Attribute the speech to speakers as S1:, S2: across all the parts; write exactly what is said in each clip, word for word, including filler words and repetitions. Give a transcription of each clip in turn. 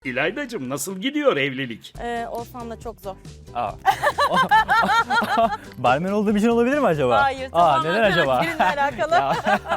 S1: İlaydacığım nasıl gidiyor evlilik?
S2: Ee, Oğuzhan'la çok zor.
S3: Aa. Barmen olduğum için olabilir mi acaba?
S2: Hayır,
S3: Aa,
S2: tamamen
S3: neden acaba?
S2: karakterinle alakalı.
S3: Ya,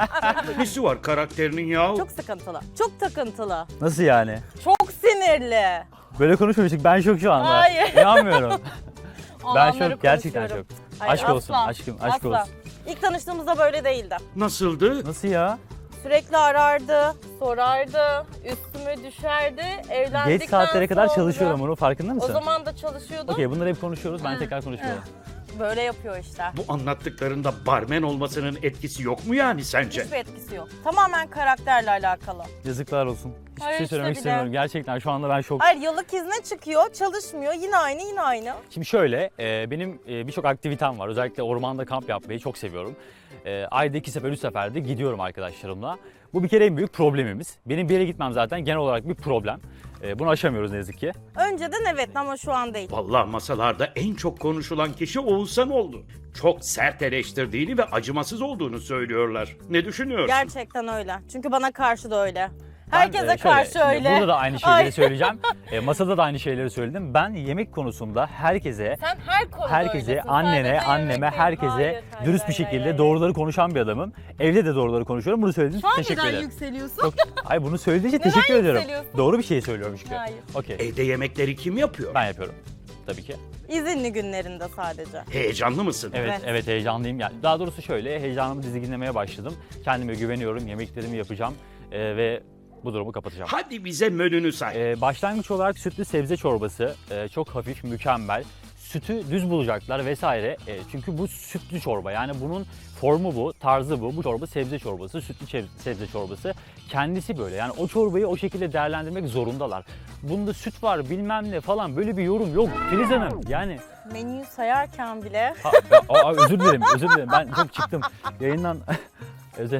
S1: Nesi var karakterinin ya?
S2: Çok sıkıntılı, çok takıntılı,
S3: nasıl yani?
S2: çok sinirli.
S3: Böyle konuşmamıştık. Ben şok şu anda.
S2: Hayır.
S3: İnanmıyorum. ben
S2: Olanları
S3: şok. Gerçekten
S2: konuşuyorum.
S3: şok.
S2: Hayır,
S3: Aşk olsun.
S2: asla,
S3: Aşkım. Aşk
S2: asla.
S3: olsun.
S2: İlk tanıştığımızda böyle değildi.
S1: Nasıldı?
S3: Nasıl ya?
S2: Sürekli arardı, sorardı, üstüme düşerdi. Evlendikten
S3: Geç saatlere kadar
S2: sonra-
S3: çalışıyorum. Onun farkında mısın?
S2: O zaman da çalışıyordum.
S3: Okey, bunları hep konuşuyoruz. Ben tekrar konuşmuyorum.
S2: Böyle yapıyor işte.
S1: Bu anlattıklarında barmen olmasının etkisi yok mu yani sence?
S2: Hiçbir etkisi yok. Tamamen karakterle alakalı.
S3: Yazıklar olsun. Hiçbir
S2: Hayır,
S3: şey
S2: işte
S3: söylemek
S2: bile.
S3: istemiyorum. Gerçekten şu anda ben şok.
S2: Hayır, yıllık izne çıkıyor, çalışmıyor. Yine aynı, yine aynı.
S3: Şimdi şöyle, e, benim e, birçok aktivitem var. Özellikle ormanda kamp yapmayı çok seviyorum. E, ayda iki sefer, üç seferde gidiyorum arkadaşlarımla. Bu bir kere en büyük problemimiz. Benim bir yere gitmem zaten genel olarak bir problem. E, bunu aşamıyoruz ne yazık ki.
S2: Önceden evet ama şu an değil.
S1: Vallahi masalarda en çok konuşulan kişi Oğuzhan oldu. Çok sert eleştirdiğini ve acımasız olduğunu söylüyorlar. Ne düşünüyorsun?
S2: Gerçekten öyle. Çünkü bana karşı da öyle.
S3: Ben,
S2: Herkese
S3: e, şöyle,
S2: karşı
S3: şimdi
S2: öyle.
S3: Burada da aynı şeyleri
S2: Ay.
S3: söyleyeceğim. E, masada da aynı şeyleri söyledim. Ben yemek konusunda herkese,
S2: Sen her konuda
S3: herkese,
S2: öylesin.
S3: annene,
S2: Sadece
S3: anneme,
S2: yemek değil.
S3: herkese
S2: Hayır, hayır,
S3: dürüst bir
S2: hayır,
S3: şekilde
S2: hayır,
S3: doğruları konuşan bir adamım. Evde de doğruları konuşuyorum. Bunu söylediğiniz
S2: Şu an
S3: için teşekkür
S2: neden
S3: ederim.
S2: yükseliyorsun?
S3: Çok, ay bunu söylediğin için
S2: Neden
S3: teşekkür ediyorum.
S2: yükseliyorsun?
S3: Doğru bir şey söylüyorum çünkü.
S2: Hayır.
S3: Okey.
S1: Evde yemekleri kim yapıyor?
S3: Ben yapıyorum. Tabii ki.
S2: İzinli günlerinde sadece.
S1: Heyecanlı mısın?
S3: Evet,
S2: Evet.
S3: evet, heyecanlıyım. Yani daha doğrusu şöyle, heyecanımı dizginlemeye başladım. Kendime güveniyorum, yemeklerimi yapacağım e, ve bu durumu kapatacağım.
S1: Hadi bize menünü say.
S3: E, başlangıç olarak sütlü sebze çorbası, e, çok hafif, mükemmel. Sütü düz bulacaklar vesaire. E, çünkü bu sütlü çorba. Yani bunun formu bu, tarzı bu. Bu çorba sebze çorbası, sütlü çe- sebze çorbası. Kendisi böyle. Yani o çorbayı o şekilde değerlendirmek zorundalar. Bunda süt var, bilmem ne falan, böyle bir yorum yok Filiz Hanım. Yani
S2: Menüyü sayarken bile
S3: ha, ya, aa, özür dilerim, özür dilerim. Ben çok çıktım yayından. Özel.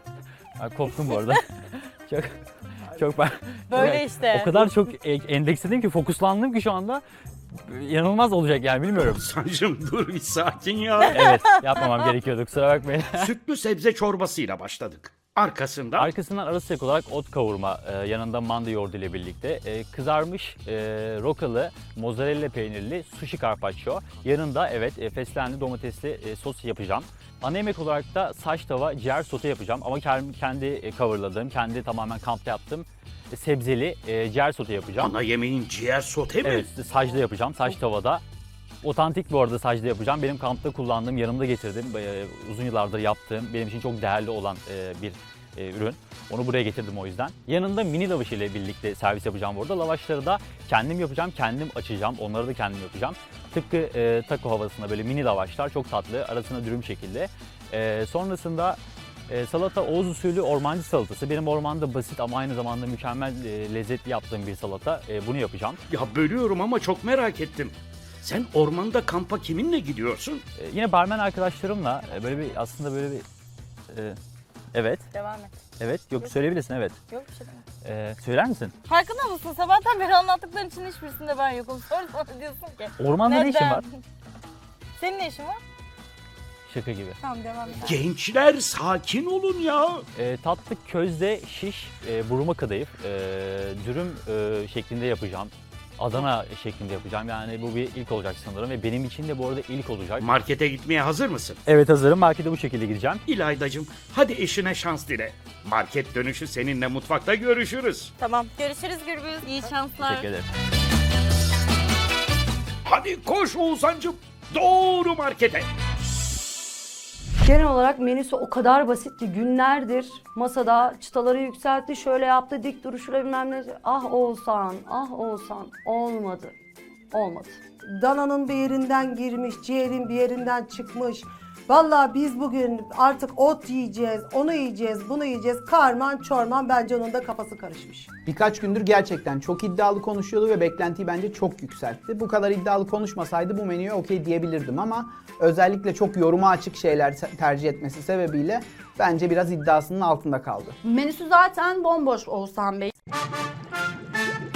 S3: Ha, koptum bu arada. Çok çok ben
S2: böyle
S3: çok-
S2: işte.
S3: O kadar çok e- endeksledim ki, fokuslandım ki şu anda. İnanılmaz olacak yani, bilmiyorum.
S1: Oğuzhan'cığım dur bir sakin ya.
S3: Evet, yapmamam gerekiyordu, kusura bakmayın.
S1: Sütlü sebze çorbasıyla başladık. Arkasından
S3: Arkasından ara sıcak olarak ot kavurma, e, yanında manda yoğurdu ile birlikte e, kızarmış e, rokalı, mozzarella peynirli sushi carpaccio. Yanında evet e, fesleğenli domatesli e, sos yapacağım. Ana yemek olarak da saç tava ciğer sote yapacağım ama kendi, kendi e, coverladığım, kendi tamamen kampta yaptığım e, sebzeli e, ciğer sote yapacağım.
S1: ana yemeğin ciğer sote mi?
S3: Evet, sacda yapacağım, saç tavada. Otantik bu arada sacda yapacağım. Benim kampta kullandığım, yanımda getirdiğim, e, uzun yıllardır yaptığım, benim için çok değerli olan e, bir e, ürün. Onu buraya getirdim o yüzden. Yanında mini lavaş ile birlikte servis yapacağım bu arada. Lavaşları da kendim yapacağım, kendim açacağım. Onları da kendim yapacağım. Tıpkı e, taco havasında böyle mini lavaşlar, çok tatlı, arasına dürüm şekilde. E, sonrasında e, salata Oğuz usulü ormancı salatası. Benim ormanda basit ama aynı zamanda mükemmel e, lezzetli yaptığım bir salata. E, bunu yapacağım.
S1: Ya bölüyorum ama çok merak ettim. Sen ormanda kampa kiminle gidiyorsun?
S3: E, yine barmen arkadaşlarımla e, böyle bir aslında böyle bir e, evet
S2: Devam et.
S3: evet yok söyleyebilirsin evet.
S2: Yok bir şey değil.
S3: E, söyler misin?
S2: Farkında mısın? Sabahtan beri anlattıkların için hiçbirisinde ben yokum. Sonra bana diyorsun ki.
S3: Ormanda ne işin
S2: neden?
S3: var?
S2: Senin ne işin var?
S3: Şaka gibi.
S2: Tamam devam et.
S1: Gençler sakin olun ya.
S3: E, tatlı közde şiş, e, buruma kadayıf, e, dürüm e, şeklinde yapacağım. Adana şeklinde yapacağım. Yani bu bir ilk olacak sanırım ve benim için de bu arada ilk olacak.
S1: Markete gitmeye hazır mısın?
S3: Evet, hazırım. Markete bu şekilde gideceğim.
S1: İlaydacığım hadi eşine şans dile. Market dönüşü seninle mutfakta görüşürüz.
S2: Tamam. Görüşürüz Gürbüz. İyi şanslar.
S3: Teşekkür ederim.
S1: Hadi koş Oğuzhan'cığım. Doğru markete.
S4: Genel olarak menüsü o kadar basit ki günlerdir masada çıtaları yükseltti, şöyle yaptı, dik duruşuyla bilmem ne. Ah Oğuzhan, ah Oğuzhan. Olmadı. Olmadı.
S5: Dananın bir yerinden girmiş, ciğerin bir yerinden çıkmış. Vallahi biz bugün artık ot yiyeceğiz, onu yiyeceğiz, bunu yiyeceğiz. Karman çorman, bence onun da kafası karışmış.
S6: Birkaç gündür gerçekten çok iddialı konuşuyordu ve beklentiyi bence çok yükseltti. Bu kadar iddialı konuşmasaydı bu menüye okey diyebilirdim ama özellikle çok yoruma açık şeyler tercih etmesi sebebiyle bence biraz iddiasının altında kaldı.
S4: Menüsü zaten bomboş Oğuzhan Bey.